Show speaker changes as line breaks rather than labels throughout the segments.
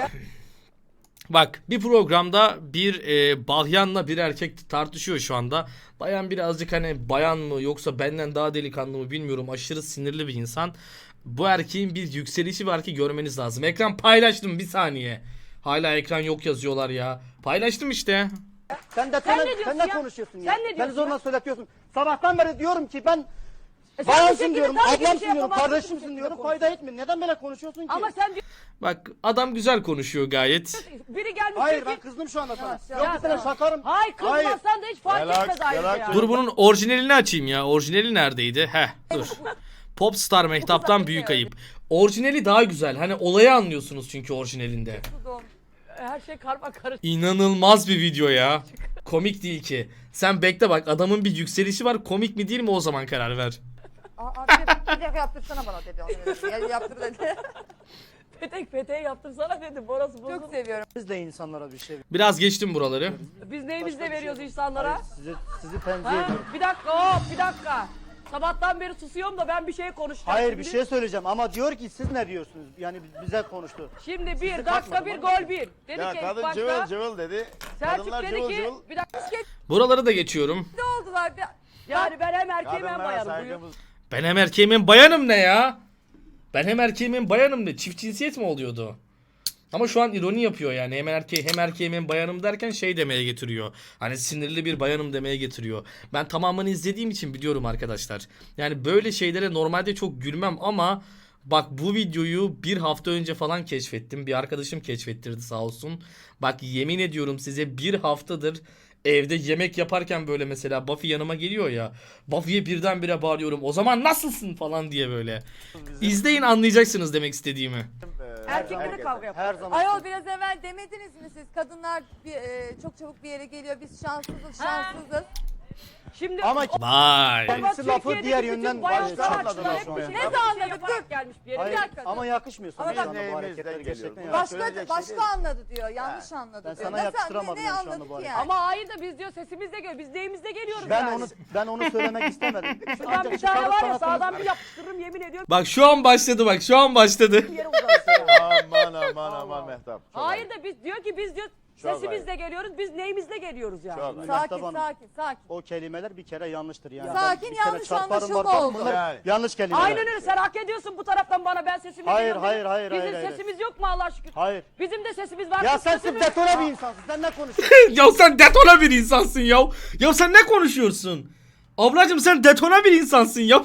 Bak bir programda bir bayanla bir erkek tartışıyor şu anda. Bayan birazcık hani bayan mı yoksa benden daha delikanlı mı bilmiyorum, aşırı sinirli bir insan. Bu erkeğin bir yükselişi var ki görmeniz lazım. Ekran paylaştım, bir saniye. Hala ekran yok yazıyorlar ya. Paylaştım işte.
Sen de
Sen ne diyorsun
sen ne
ya?
konuşuyorsun ya?
Sen ne
Beni
diyorsun
zorla
ya?
söyletiyorsun. Sabahtan beri diyorum ki ben
Sen bu
bayansın
şekilde
diyorum,
tabii ki bir
ablamsın
şey
diyorum,
yapamazsın, bu
kardeşimsin
şekilde
diyorum.
konuşuyorsun.
Fayda etmiyor. Neden böyle konuşuyorsun ki?
Ama sen
Bak adam güzel konuşuyor gayet.
biri gelmiş
Hayır,
diyor
ben
ki...
kızdım şu anda sana.
Ya,
Yok bir sene
tamam.
şakarım.
Hayır kızmazsan da hiç fark
Relax,
etmez ayrıca
relax.
ya.
Dur bunun orijinalini açayım ya. Orijinali neredeydi? Dur. Popstar Mehtap'tan büyük ayıp. Orijinali daha güzel. Hani olayı anlıyorsunuz çünkü orijinalinde.
Her şey karma karışık.
İnanılmaz bir video ya. Komik değil ki. Sen bekle bak, adamın bir yükselişi var. Komik mi değil mi o zaman karar ver.
Abi bir dakika yaptırsana bana dedi. Ya, yaptır dedi.
Peteği yaptırsana dedim. Orası bozuldu.
Çok seviyorum.
Biz de insanlara bir şey
Biraz geçtim buraları.
Biz neyimizle
Başka bir
veriyoruz
şey-
insanlara?
Hayır, sizi tenzih
Ha?
ediyorum.
Bir dakika bir dakika. Sabahtan beri susuyorum da ben bir şey konuşacağım.
Hayır,
şimdi.
bir şey söyleyeceğim ama diyor ki siz ne diyorsunuz? Yani bize konuştu.
Şimdi bir
Sizi
dakika
takmadım
bir
ama.
gol bir. Dedi
Ya
ki
kadın
ilk
cıvıl
başta
cıvıl dedi.
Selçuk
Kadınlar
dedi
cıvıl
ki
cıvıl.
bir dakika.
Buraları da geçiyorum.
Ne oldular?
Yani ben hem erkeğim hem
Kadınlara
bayanım buyur.
saygımız.
Ben hem erkeğim hem bayanım ne ya? Ben hem erkeğim hem bayanım ne? Çift cinsiyet mi oluyordu? Ama şu an ironi yapıyor yani. Hem erkeğim hem bayanım derken şey demeye getiriyor. Hani sinirli bir bayanım demeye getiriyor. Ben tamamını izlediğim için biliyorum arkadaşlar. Yani böyle şeylere normalde çok gülmem ama bak bu videoyu bir hafta önce falan keşfettim. Bir arkadaşım keşfettirdi sağ olsun. Bak yemin ediyorum size, bir haftadır evde yemek yaparken böyle mesela Buffy yanıma geliyor ya. Buffy'ye birdenbire bağırıyorum. O zaman nasılsın falan diye böyle. İzleyin, anlayacaksınız demek istediğimi.
Erkekle de kavga yapıyor.
Her zaman.
Ayol biraz evvel demediniz mi siz? Kadınlar çok çabuk bir yere geliyor. Biz şanssızız, şanssızız.
Şimdi
Ama
Vay.
kendisi lafı
Türkiye'deki
diğer
bütün
yönden
bayan
çarpmadı
sanatçılar hep
şu
bir
an.
şey
Ne
ne
anladık?
yaparak
Dur.
gelmiş bir yere.
Hayır,
Bir dakika.
ama yakışmıyor sana
Ama
şu anda bu
bak-
hareketler gerçekten
geliyor.
yakışmıyor.
Söyleyecek
Başka
şey değil.
anladı diyor. Yanlış anladı
Ben
diyor.
sana yakıştıramadım
ne
yani şu anda
anladık
bu
ki
hareketi.
yani?
Ama hayır da biz diyor sesimizle geliyoruz. Biz neyimizle geliyoruz
Ben
yani.
onu söylemek istemedim.
Şuradan bir tane var ya sağdan bir yapıştırırım yemin ediyorum.
Bak şu an başladı, bak şu an başladı.
Bir yere uzanırsın.
Aman Mehtap. Çok
Hayır da biz diyor ki biz diyor
Çok
sesimizle geliyoruz. Biz neyimizle geliyoruz yani.
Çok.
Sakin.
O kelimeler bir kere yanlıştır yani.
Sakin,
Ben bir kere
yanlış
çarparım
anlaşılma
var.
oldu.
Bunlar
Yani.
yanlış kelimeler.
Aynen öyle, sen hak ediyorsun bu taraftan bana, ben sesimle
Hayır,
geliyorum.
hayır,
dedim.
hayır,
Bizim
hayır,
sesimiz yok mu Allah şükür?
Hayır.
Bizim de sesimiz var.
Ya
kız
sen
sesi
sırf
mi?
detone bir insansın. Sen ne konuşuyorsun?
Ya sen detona bir insansın ya. Ya sen ne konuşuyorsun? Ablacım sen detona bir insansın ya.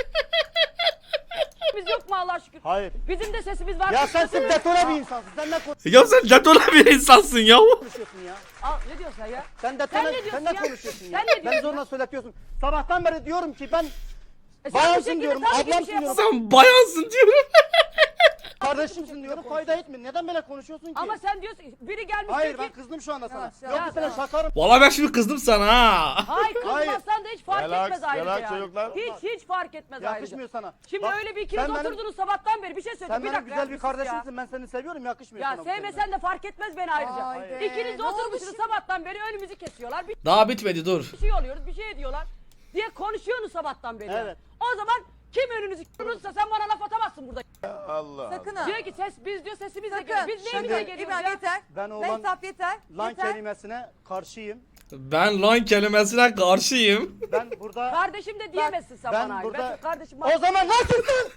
Sesimiz yok mu Allah şükür?
Hayır.
Bizim de sesimiz var.
Ya
kız
sen
sesi mi?
sırf detone bir insansın. Sen ne
Ya sen detona bir insansın ya.
konuşuyorsun ya?
Aa, ne diyorsun sen ya?
Sen detone,
Sen ne diyorsun
sen ne
ya?
konuşuyorsun ya?
Sen ne
Ben
diyorsun
zorla söyletiyorsun. Sabahtan beri diyorum ki ben
Sen bu
bayansın
şekilde
diyorum,
tabii ki bir
ablamsın
şey
diyorum,
Sen bayansın diyorum.
kardeşimsin diyorum. Fayda etmiyor. Neden böyle konuşuyorsun ki?
Ama sen diyorsun biri gelmiş
Hayır,
diyor
ben
ki
kızdım şu anda sana.
Ya,
Yok bir sene şakarım.
Valla ben şimdi kızdım sana ha.
hayır kızmazsan da hiç fark
Relax,
etmez ayrıca
relax
yani.
çocuklar.
Hiç fark etmez ayrıca.
Yakışmıyor sana.
Şimdi
Bak,
öyle bir ikiniz
sen benim-
oturdunuz sabahtan beri bir şey
Sen
söyleyeceğim. Bir
benim
dakika
güzel
ya,
bir
sus ya.
kardeşimsin. Ben seni seviyorum. Yakışmıyor
Ya
sana bu kelimeler.
sevmesen de fark etmez beni ayrıca.
Haydi.
İkiniz de
Ne oldu
oturmuşsunuz
şimdi?
sabahtan beri önümüzü kesiyorlar. Bir
Daha bitmedi, dur.
şey oluyoruz, bir şey ediyorlar diye konuşuyorsunuz sabahtan beri.
Evet.
O zaman kim önünüzü kırırsa sen bana laf atamazsın burada.
Allah.
Sakın ha.
Diyor ki biz diyor sesimizle
Sakın.
geliyoruz. Biz neyimizle
Şimdi-
geliyoruz
İbrahim
ya?
yeter.
Ben o
Mehtap yeter.
lan
Yeter.
kelimesine karşıyım.
Ben lan kelimesine karşıyım.
Ben burada...
Kardeşim de diyemezsin sen
ben
bana. ayrı.
burada-
Ben kardeşim
O zaman nasılsın?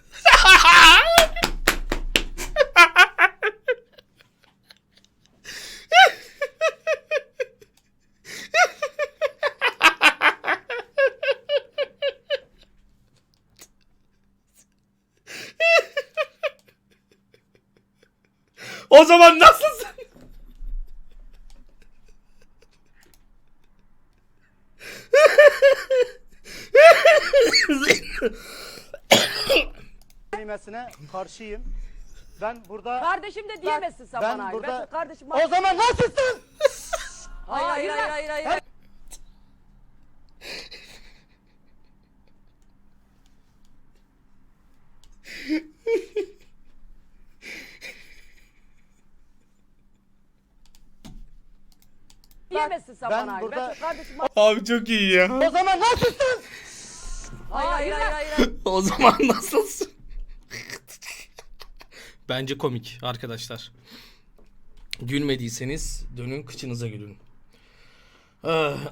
O zaman nasılsın?
kelimesine karşıyım. Ben burada...
kardeşim de diyemezsin sen
ben
bana. ayrı.
burada-
Ben kardeşim
O zaman nasılsın?
Hayır.
diyemezsin sen
ben
bana. ayrı.
burada-
Ben kardeşim
Abi çok iyi ya.
O zaman nasılsın?
hayır.
O zaman nasılsın? Bence komik arkadaşlar. Gülmediyseniz dönün kıçınıza gülün. Ah,